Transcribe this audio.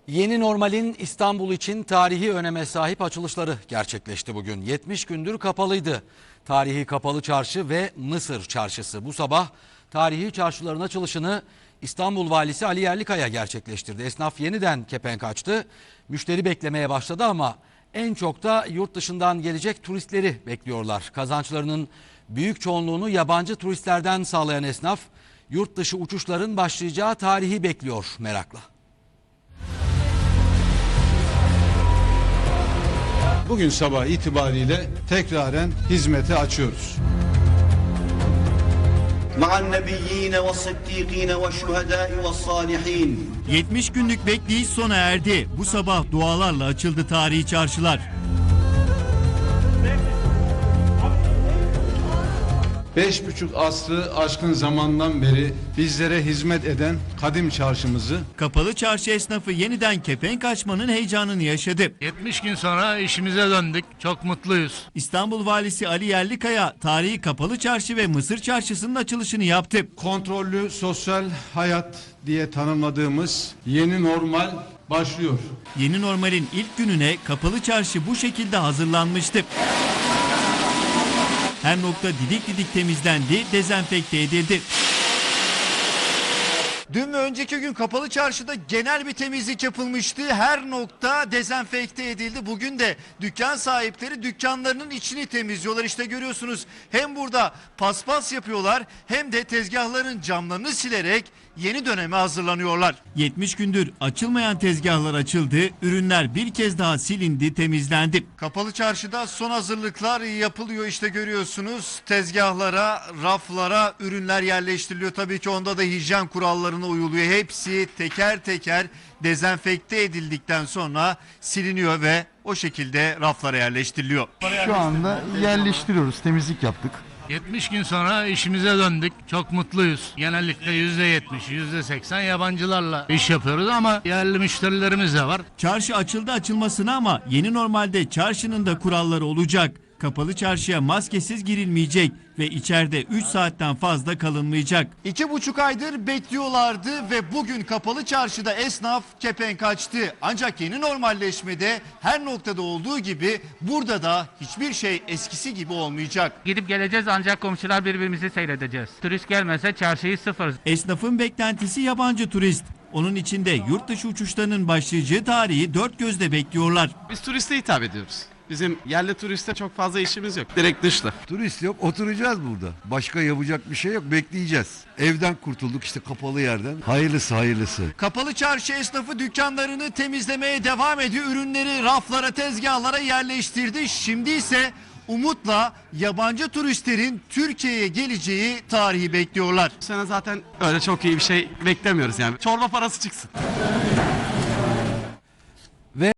Yeni normalin İstanbul için tarihi öneme sahip açılışları gerçekleşti bugün. 70 gündür kapalıydı. Tarihi Kapalı Çarşı ve Mısır Çarşısı. Bu sabah tarihi çarşıların açılışını İstanbul Valisi Ali Yerlikaya gerçekleştirdi. Esnaf yeniden kepenk açtı. Müşteri beklemeye başladı ama en çok da yurt dışından gelecek turistleri bekliyorlar. Kazançlarının büyük çoğunluğunu yabancı turistlerden sağlayan esnaf, yurt dışı uçuşların başlayacağı tarihi bekliyor merakla. Bugün sabah itibariyle tekraren hizmete açıyoruz. مع النبيين والصديقين والشهداء والصالحين. 70 günlük bekleyiş sona erdi. Bu sabah dualarla açıldı tarihi çarşılar. 5,5 asrı aşkın zamandan beri bizlere hizmet eden kadim çarşımızı Kapalı çarşı esnafı yeniden kepenk açmanın heyecanını yaşadı. 70 gün sonra işimize döndük. Çok mutluyuz. İstanbul Valisi Ali Yerlikaya tarihi Kapalı Çarşı ve Mısır Çarşısı'nın açılışını yaptı. kontrollü sosyal hayat diye tanımladığımız yeni normal başlıyor. Yeni normalin ilk gününe Kapalı Çarşı bu şekilde hazırlanmıştı. Her nokta didik didik temizlendi, dezenfekte edildi. Dün ve önceki gün Kapalı Çarşı'da genel bir temizlik yapılmıştı. Her nokta dezenfekte edildi. Bugün de dükkan sahipleri dükkanlarının içini temizliyorlar. İşte görüyorsunuz, hem burada paspas yapıyorlar hem de tezgahların camlarını silerek yeni döneme hazırlanıyorlar. 70 gündür açılmayan tezgahlar açıldı. Ürünler bir kez daha silindi, temizlendi. Kapalı Çarşı'da son hazırlıklar yapılıyor. İşte görüyorsunuz, tezgahlara, raflara ürünler yerleştiriliyor. Tabii ki onda da hijyen kurallarına uyuluyor. Hepsi teker teker dezenfekte edildikten sonra siliniyor ve o şekilde raflara yerleştiriliyor. Şu anda yerleştiriyoruz, temizlik yaptık. 70 gün sonra işimize döndük. Çok mutluyuz. Genellikle %70, %80 yabancılarla iş yapıyoruz ama yerli müşterilerimiz de var. Çarşı açıldı açılmasına ama yeni normalde çarşının da kuralları olacak. Kapalı çarşıya maskesiz girilmeyecek ve içeride 3 saatten fazla kalınmayacak. 2,5 aydır bekliyorlardı ve bugün Kapalı Çarşıda esnaf kepenk açtı. Ancak yeni normalleşmede her noktada olduğu gibi burada da hiçbir şey eskisi gibi olmayacak. Gidip geleceğiz ancak komşular birbirimizi seyredeceğiz. Turist gelmese çarşıyı sıfır. Esnafın beklentisi yabancı turist. Onun içinde yurt dışı uçuşlarının başlayacağı tarihi dört gözle bekliyorlar. Biz turiste hitap ediyoruz. Bizim yerli turiste çok fazla işimiz yok. Direkt dışla. Turist yok, oturacağız burada. Başka yapacak bir şey yok, bekleyeceğiz. Evden kurtulduk işte, kapalı yerden. Hayırlısı hayırlısı. Kapalı çarşı esnafı dükkanlarını temizlemeye devam ediyor. Ürünleri raflara, tezgahlara yerleştirdi. Şimdi ise umutla yabancı turistlerin Türkiye'ye geleceği tarihi bekliyorlar. Bu sene zaten öyle çok iyi bir şey beklemiyoruz yani. Çorba parası çıksın.